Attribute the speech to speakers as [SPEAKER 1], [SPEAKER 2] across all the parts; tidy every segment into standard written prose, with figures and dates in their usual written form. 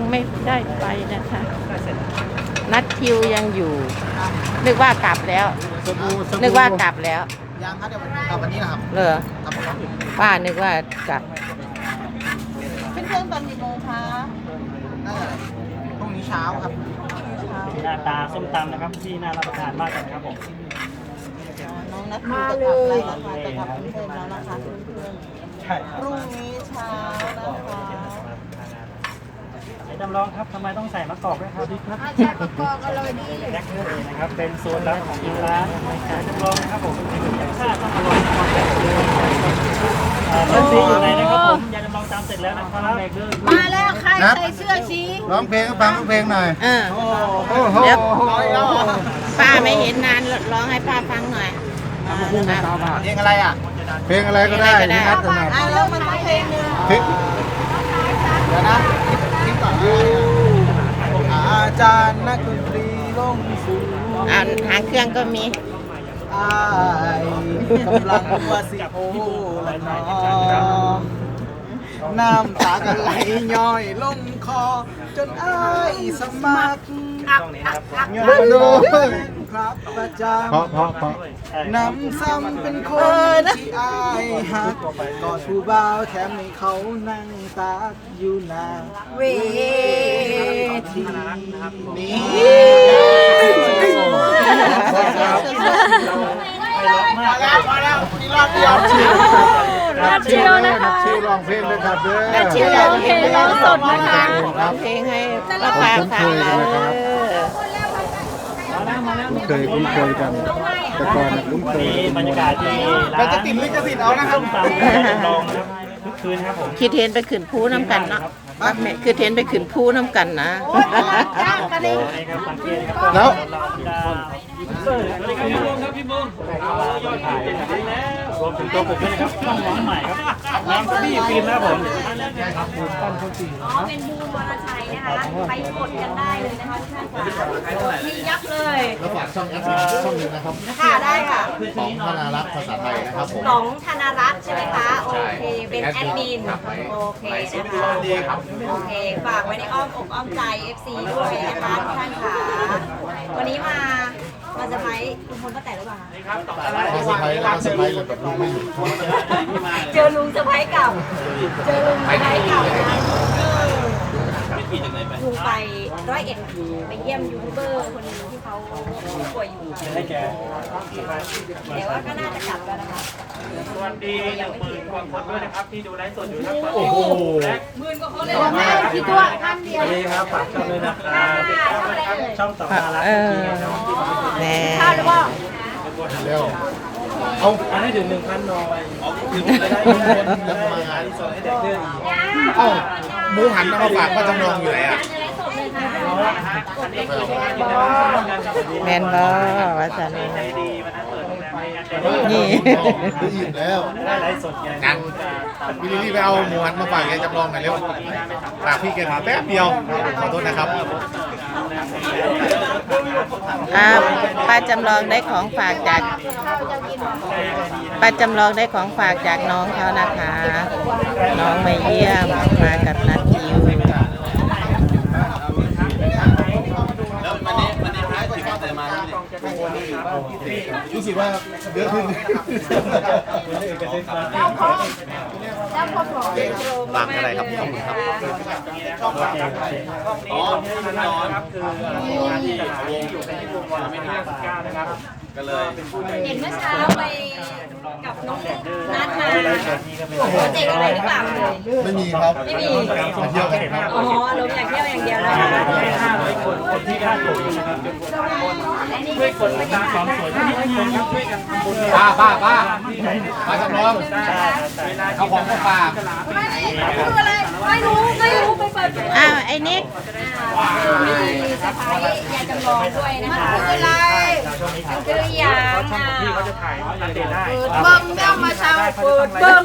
[SPEAKER 1] ไม่ได้ไปนะคะนัดคิวยังอยู่นึกว่ากลับแล้วนึกว่ากลับแล้ว
[SPEAKER 2] ยังครับเดี๋ยวกลับวันนี้นะครับ
[SPEAKER 1] เหรอป้านึกว่ากลับ
[SPEAKER 3] ขึ้นเครื่องตอนกี่โมงคะ
[SPEAKER 2] พรุ่งนี้เช้าครับ
[SPEAKER 4] หน้าตาส้มตำนะครับที่น่ารับประทานมากเลยนะครับผม
[SPEAKER 3] น้องนัดมาเลยนะคะจะกลับกรุงเทพแล้วนะคะขึ้นเครื่องพรุ่งนี้เช้านะคะ
[SPEAKER 4] ไอ้จำลองครับทำไมต้องใส่มะกอกด้วยครับพี่ครับ
[SPEAKER 3] ใช่มะกอกอร่อยดี
[SPEAKER 4] แจ็คเลยนะครับเป็นโซนลับของทางร้านจำลองนะครับผมชาติต้องอร่อยเริ่มซีอยู่ไหนนะครับผมยาจำลองตามเสร็จแล้วนะครับ
[SPEAKER 3] มาแล้วใครใส่เสื้อชี้
[SPEAKER 2] ร้องเพลงฟังเพลงหน่อย
[SPEAKER 1] เดี๋ยวป้าไม่เห็นนานร้องให้ป้าฟังหน่อย
[SPEAKER 2] เพลงอะไรอ่ะเพลงอะไรก็ได้ที่นัดกันหน่อย
[SPEAKER 3] แล้วมันต้องเพลงนึง
[SPEAKER 2] เดี๋ยวนะคิดก่อนอาจารย์นักดนตรีลงสู่
[SPEAKER 1] หางเครื่องก็มี
[SPEAKER 2] กำลังว่าสิโอละนอน้ำตากันไหลย้อยลงคอจนอ้ายสมัครยอมโดนครับประจำเพราะน้ำซ้ำเป็นคนที่อายหักกอดผู้บ่าวแถมให้เขานั่งตากอยู่หน้าเวทีนี้มาแล้วนี่รอบเดียว
[SPEAKER 1] นัดชิวนะคะ
[SPEAKER 2] ชื่อร้องเพลงเลยครับเด้อ
[SPEAKER 1] นัดชิวร้องเพลงร้องสดนะคะร้องเพลงให้ป้าฟังค่ะ
[SPEAKER 2] คุ้นเคยกันแต่ก่อนคุ้นเคย
[SPEAKER 4] บรรยากาศที่
[SPEAKER 2] เราจะติดลิขสิทธิ์เอานะครับ
[SPEAKER 4] ลองนะครับทุกคืนครับผม
[SPEAKER 1] คิดเห็นไปขึ้นภูน้ำกันเนาะคือเห็นไปขึ้นภูน้ำกันนะ
[SPEAKER 2] แล้ว
[SPEAKER 4] รวมถึงตัวผมด้วยนะครับช่องน้องใหม่ครับน้ำพี่ฟิล์มนะครับผม
[SPEAKER 3] เป็นบูมวรชัยนะคะไปกดกันได้เลยนะคะท่านค่ะมียับเลย
[SPEAKER 2] แล้วฝากช่องแอดมินช่องนึงนะครับ
[SPEAKER 3] ค่ะได้ค่ะ
[SPEAKER 2] ของธนารักษ์ภาษาไทยนะครับผม
[SPEAKER 3] ของธนารักษ์ใช่ไหมคะโอเคเป็นแอดมินโอเคนะคะโอเคฝากไว้ในอ้อมอกอ้อมใจ FC ด้วยนะคะทุกท่านค่ะวันนี้มาเซอร์ไพรส์ลุงพลป้าแต๋หรือเปล่า
[SPEAKER 2] มาเซอร์ไพรส์แล้วเซอร์ไพรส์เลยแบบลุงไม่อยู่
[SPEAKER 3] เจอลุงเซอร์ไพรส์กับเจอลุงเซอร์ไพรส์กับลุงไป101ไปเยี่ยมยูทูบเบอร์คนนึงที่เขาป่วยอยู่แต่ว่าก็น่าจะกลับแล้วนะคะ
[SPEAKER 4] สวัสดี10,000 กว่าคนด้วยนะครับที่ดูไลฟ์สดอยู่นะครับ
[SPEAKER 2] โอ้โห
[SPEAKER 3] 10,000 กว่าคนเลยแม่พี่ตัวท่านเดียว
[SPEAKER 4] นี่ครับฝากช่องเลยนะครับช่องต่อมาแล้ว
[SPEAKER 1] แม่
[SPEAKER 3] ข้าวหรือเปล่า
[SPEAKER 2] เร็วเอา
[SPEAKER 4] ให้ถึง 1,000 หน่อยถึงจะได้
[SPEAKER 2] แล้วมางานเอ้าหมูหันมาฝากป้าจำลองอยู่ไหนอ่ะ
[SPEAKER 1] แมนบอวัฒนนี่
[SPEAKER 2] อิ่มแล้วงั้นพี่ลิลี่ไปเอาหมูหันมาฝากแกจำลองหน่อยเร็วฝากพี่แกแป๊บเดียวขอโทษนะครับ
[SPEAKER 1] ป้าจำลองได้ของฝากจากป้าจำลองได้ของฝากจากน้องเขานะคะ น้องมาเยี่ยมมากับนัดคิว
[SPEAKER 2] รู้สึกว่าเยอะขึ้นบางอะไรครับขอบคุณครับ
[SPEAKER 4] อ๋อน้องครับคือที่อยู่ในวงวอลเมนิก้านะครับก็เลย
[SPEAKER 3] เห็นเมื่อเช้าไปกับน้องนัดมาโปรเจกต์อะไรหรือเปล่า
[SPEAKER 2] ไม่มีครับ
[SPEAKER 3] ไม่มี
[SPEAKER 2] มาเที่ยวกันครับ
[SPEAKER 3] อ๋อลงอยากเที่ยวอย่างเดียวนะคะ
[SPEAKER 4] 500 คนที่ค่าตัวนะครับช่วยกดติดตามความสวยที่นี่นะครับช่วยกันทำบุญ
[SPEAKER 2] ป้าจำลองเอาของมาฝาก
[SPEAKER 3] คืออะไรไม่รู้ไปเปิด
[SPEAKER 1] ไอ้นิก
[SPEAKER 3] มีสะพ้ายยายจำลองด้วยนะคะมันคืออะไรคือยาง
[SPEAKER 4] พี่เขาจะถ่ายอัปเดตได้
[SPEAKER 3] เบิ้งเนี่ยมาเช่าเปิดเบิ้ง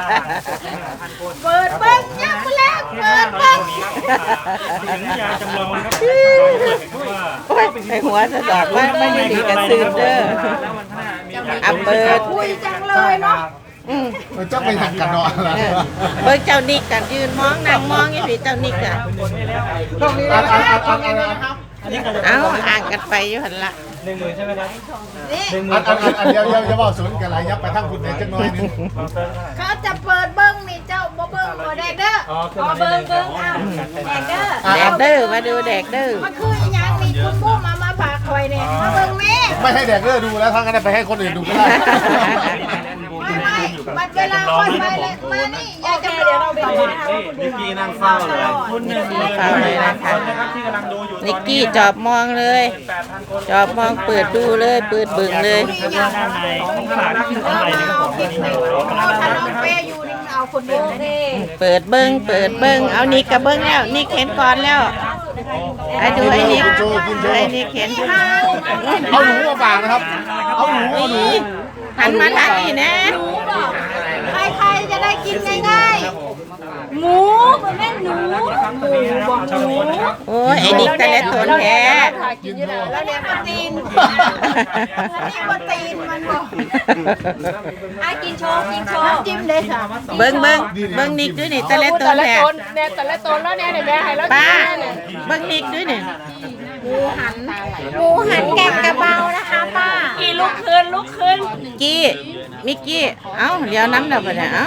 [SPEAKER 3] เนี่ยมาแล้วเปิดเบิ้ง
[SPEAKER 4] ถึงยาจำลองครับ
[SPEAKER 1] ไอหัวจะดอกว่าไม่ดีกับซื้อเด้อเปิด
[SPEAKER 3] คุยจังเลยเนาะ
[SPEAKER 2] เจ้าไปทางกันเนาะ
[SPEAKER 1] เบิ่งเจ้านิกกันยืนมองนั่งมองอยู่พี่เจ้านิกอ่ะ
[SPEAKER 2] ตรงนี้นะครับ
[SPEAKER 1] เอาอ่างกันไปอยู่หั่นละ
[SPEAKER 4] 10,000ใช่ไหมครับ
[SPEAKER 3] นี่
[SPEAKER 2] อันเดียวอย่าบอกสวนกันไรยับไปทั้งคุณในจังน้อยนึง
[SPEAKER 3] เขาจะเปิดเบิ้งนี่เจ้าบ่เบิ้งบ่แดกเด้อ
[SPEAKER 4] อ๋อขึ้น
[SPEAKER 3] อ๋อ
[SPEAKER 4] มา
[SPEAKER 3] เบิ้งอ้าวแดกเด้อ
[SPEAKER 1] แดกเด้อมาดูแดกเด้อ
[SPEAKER 3] มันคืออีหยังนี่คุณบู้มาฝากคอยเนี่ยมาเบิ้งแม่
[SPEAKER 2] ไม่ให้แดกเลือดูแล้วทั้งนั้นไปให้คนอื่นดูก็ได้
[SPEAKER 3] ไม่มันเวลาคนไปเลยมานี่อยากจะเดี๋ยวเราไปดูนะคะว่าคุณ
[SPEAKER 4] นิกกี้นั่งเฝ้าเลยคุณ10,000คนนะครับที่กำลังดูอยู่
[SPEAKER 1] นิกกี้จอบมองเลย
[SPEAKER 4] 8,000 คน
[SPEAKER 1] จอบมองเปิดดูเลยเปิดเบิ่งเลย
[SPEAKER 4] ด้านในของฝากที่ข้างในนี่ก็ของนี่
[SPEAKER 3] ถ้าน้องเป้อยู่นี่เอาคนเดียวเลย
[SPEAKER 1] เปิดเบิ่งเอานิกกับเบิ่งแล้วนิกเห็นก่อนแล้วไอ้ดูไอ้นิกไอ้นิกเห็น
[SPEAKER 2] เอาหนูมาฝากนะครับ เอาหนู
[SPEAKER 1] หันมาทางนี้นะ
[SPEAKER 3] ใครๆจะได้กินง่ายๆหมูมันแม่นหนูหมูบอกหนู
[SPEAKER 1] โอ้ยไอ้นิกแต่ละตนแท้
[SPEAKER 2] กินโทษ
[SPEAKER 3] แล้วเนี่ยมันตีนนี่มันตีนมันบอกไอ้กินโชว์จิ้มเลยค่ะ
[SPEAKER 1] เบิ่งนิกด้วยนี่แต่ละตนแท้
[SPEAKER 3] เนี่ยแต่ละตนแล้วเนี่ยแม่ให้แล้ว
[SPEAKER 1] ป้าเบิ่งนิกด้วยนี่
[SPEAKER 3] หมูหันแกงกระเบานะคะป้ากี่ลูกคืน
[SPEAKER 1] กี้มิกกี้เอ้าเดี๋ยวน้ำดับไปเนี่ยเอ้า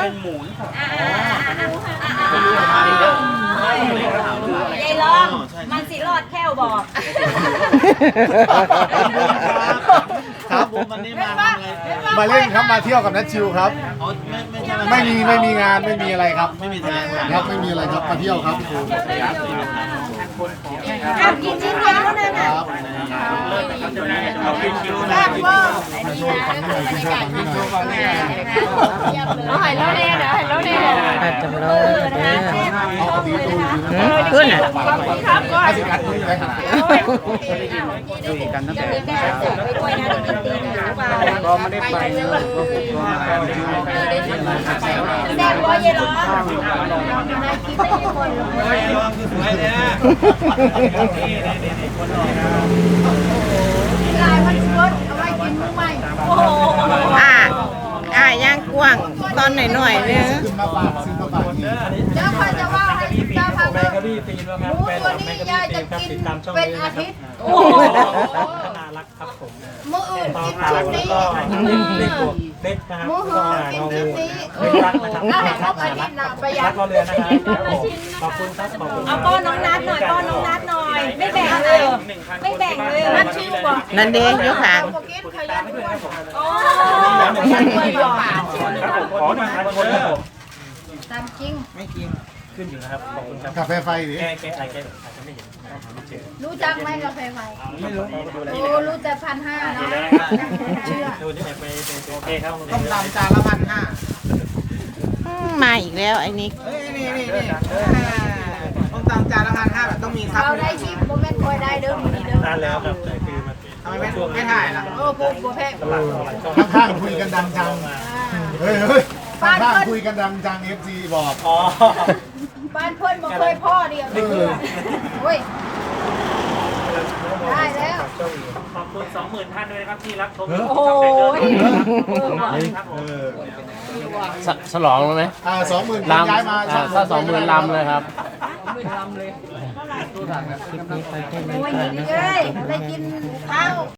[SPEAKER 3] ยายลองมันสิรอดแค่วบอก
[SPEAKER 2] ครับมาเล่นครับมาเที่ยวกับนัทชิวครับ ไม่มีงานไม่มีอะไรครับ ไม่มีครับไม่มีอะไรครับมาเที่ยวครับ
[SPEAKER 3] อ้าวกินชิ้นเดียวนั่นน่ะ
[SPEAKER 2] ครับ
[SPEAKER 3] แซ่บเวอร์
[SPEAKER 2] เอาให้แล้วเนี่ย
[SPEAKER 1] ป้าจำลองเด้อขึ้นอ่ะ
[SPEAKER 2] อาสิกัดมือเลยครับ
[SPEAKER 3] ดูกันตั้งแต่ไปด้วยนะกินดีนะทุกวัน
[SPEAKER 2] ก็ไม่ได้ไป
[SPEAKER 3] แซ่บเวอร์ยายลองลายมันสดเอาไว้กินมื้อใหม่โอ้โห
[SPEAKER 1] ย่างกว้างตอนหน่อยๆเนี่ย
[SPEAKER 2] ซื้อมาฝากนี่
[SPEAKER 3] เจ้าพ่อจะว่าให้เจ้าพ่อ
[SPEAKER 4] แม
[SPEAKER 3] เด้
[SPEAKER 4] งกะ
[SPEAKER 3] อ
[SPEAKER 4] บี้ตีนแล้ว
[SPEAKER 3] ห
[SPEAKER 4] ครับ
[SPEAKER 3] มู
[SPEAKER 4] เป็น
[SPEAKER 3] ตัว
[SPEAKER 4] แม
[SPEAKER 3] นี้
[SPEAKER 4] งกะบี้
[SPEAKER 3] ยาย
[SPEAKER 4] ตี
[SPEAKER 3] จะ
[SPEAKER 4] นครับ
[SPEAKER 3] กิน
[SPEAKER 4] ติดตามช่อง
[SPEAKER 3] เป็น
[SPEAKER 4] นี้
[SPEAKER 3] อา
[SPEAKER 4] นะครับ
[SPEAKER 3] ทิตย์
[SPEAKER 4] น่ารักครับผม
[SPEAKER 3] มื้ออื่น
[SPEAKER 4] ต่อ
[SPEAKER 3] กิน
[SPEAKER 4] ตา
[SPEAKER 3] ชุด
[SPEAKER 4] แล้ว
[SPEAKER 3] นี้
[SPEAKER 4] ก็เล็กบวกเล็กนะครับ
[SPEAKER 3] มื้อ
[SPEAKER 4] ก็
[SPEAKER 3] อื่นกิน
[SPEAKER 4] งอ
[SPEAKER 3] ชุ
[SPEAKER 4] งู
[SPEAKER 3] ดนี้
[SPEAKER 4] เล็กรักนะครับ
[SPEAKER 3] ถ้าให้ครบอาทิตย์น่ะประหยั
[SPEAKER 4] รั
[SPEAKER 3] ด
[SPEAKER 4] กเราเรือนนะครับขอบคุณครับขอบคุณ
[SPEAKER 3] เอาป้อนน้องนัดหน่อยป้อนน้องนัดหน่อย ไม่แบ่งเลยไม่แบ่งเลยนัดชิวบอก
[SPEAKER 1] นั่นเด้ยกหาง
[SPEAKER 3] ขยันด้วยโอ้ขยันด้วยเปล่า
[SPEAKER 4] ครับผมขอ1,000 คนครับผม
[SPEAKER 3] ตามจริง
[SPEAKER 4] ไม่กินขึ้นอยู่นะครับขอบคุณครับ
[SPEAKER 2] กาแฟไฟดิ
[SPEAKER 4] แกอาจจะไม่เห็นไม่เจอ
[SPEAKER 3] รู้จักไหมกาแฟไฟ
[SPEAKER 4] ไม่รู้
[SPEAKER 3] โอ้รู้แต่1,500เนาะเชื่อ
[SPEAKER 4] ดูที่ไหนไปโอเคครับ
[SPEAKER 2] ต้มตำจานละ1,500
[SPEAKER 1] มาอีกแล้วไอ้นิก
[SPEAKER 2] นี่ต้มตำจานละ1,500แบบต้องมีซับ
[SPEAKER 3] เราได้ชิมโมเมนต์คอยได้เด้อมีเด้อน
[SPEAKER 4] านแล้วครับแต่คือมัน
[SPEAKER 2] ทำไมไม่ถ่ายล่ะ
[SPEAKER 3] โอ้พวกบัวแพง
[SPEAKER 2] ข้างๆคุยกันดังจังเฮ้ยข้างๆคุยกันดังจัง FC บอก
[SPEAKER 4] อ๋อ
[SPEAKER 3] บ้านเพื่อนมาเคยพ่อเดียวโอ้ยได้แล้ว
[SPEAKER 4] ขอบคุณ 20,000 ท่านด้วยนะครับที่รับชม
[SPEAKER 3] โอ้ย
[SPEAKER 4] ครับผม
[SPEAKER 5] ฉลองแล้วไหม
[SPEAKER 2] 20,000
[SPEAKER 5] ลำ
[SPEAKER 2] ย้ายมา
[SPEAKER 5] ถ้า20,000ลำเลยครับ
[SPEAKER 1] คลิปนี้ไปแค่นี้
[SPEAKER 3] โอ้ย
[SPEAKER 1] ก่อน
[SPEAKER 3] นี่
[SPEAKER 1] นะ
[SPEAKER 3] เล
[SPEAKER 1] คะ
[SPEAKER 3] ยได้กินข้าว